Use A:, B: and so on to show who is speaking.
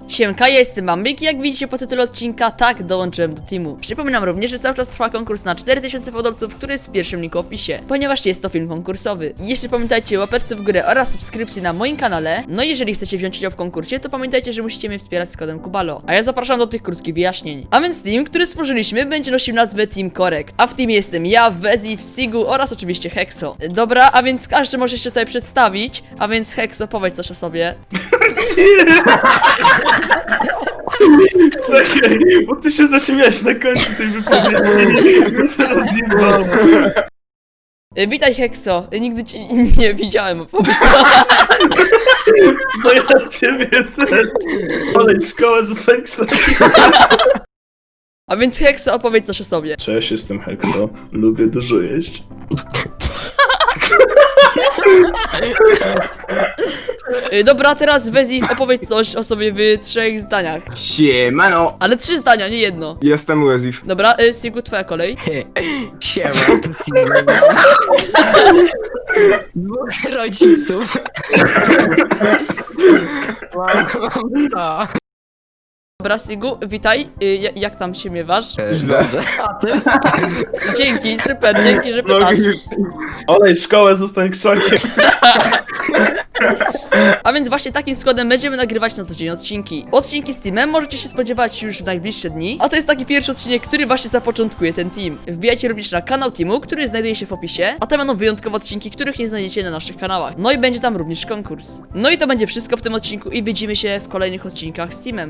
A: Siemka, ja jestem Bambik i jak widzicie po tytule odcinka, tak, dołączyłem do teamu. Przypominam również, że cały czas trwa konkurs na 4000 fodolców, który jest w pierwszym linku w opisie, ponieważ jest to film konkursowy. Jeszcze pamiętajcie o łapeczce w górę oraz subskrypcji na moim kanale. No i jeżeli chcecie wziąć udział w konkursie, to pamiętajcie, że musicie mnie wspierać z kodem Kubalo. A ja zapraszam do tych krótkich wyjaśnień. A więc team, który stworzyliśmy, będzie nosił nazwę Team Korek. A w teamie jestem ja, Wezif, Sigu oraz oczywiście Hexo. Dobra, a więc każdy może się tutaj przedstawić. A więc Hexo, powiedz coś o sobie.
B: Czekaj, bo ty się zaśmiałeś na końcu tej wypowiedzi. Ja to rozjebałem.
A: Witaj Hexo, nigdy cię nie widziałem, opowiedz.
B: No ja ciebie też. Olej szkołę, zostań krzakiem.
A: A więc Hexo, opowiedz coś o sobie.
B: Cześć, jestem Hexo. Lubię dużo jeść.
A: Dobra, teraz Wezif, opowiedz coś o sobie w 3 zdaniach.
C: Siemano!
A: Ale 3 zdania, nie jedno.
C: Jestem Łezif.
A: Dobra, Sigu, twoja kolej.
D: Siema, to Sigma. Dwóch rodziców. Mam to.
A: Dobra, Sigu, witaj. Jak tam się miewasz?
C: Źle.
D: Dobrze. A ty?
A: Dzięki, super, dzięki, że
C: No
A: pytasz.
C: już.
B: Olej szkołę, zostań krzakiem.
A: A więc właśnie takim składem będziemy nagrywać na co dzień odcinki. Odcinki z teamem możecie się spodziewać już w najbliższe dni, a to jest taki pierwszy odcinek, który właśnie zapoczątkuje ten team. Wbijajcie również na kanał teamu, który znajduje się w opisie, a tam będą wyjątkowe odcinki, których nie znajdziecie na naszych kanałach. No i będzie tam również konkurs. No i to będzie wszystko w tym odcinku i widzimy się w kolejnych odcinkach z teamem.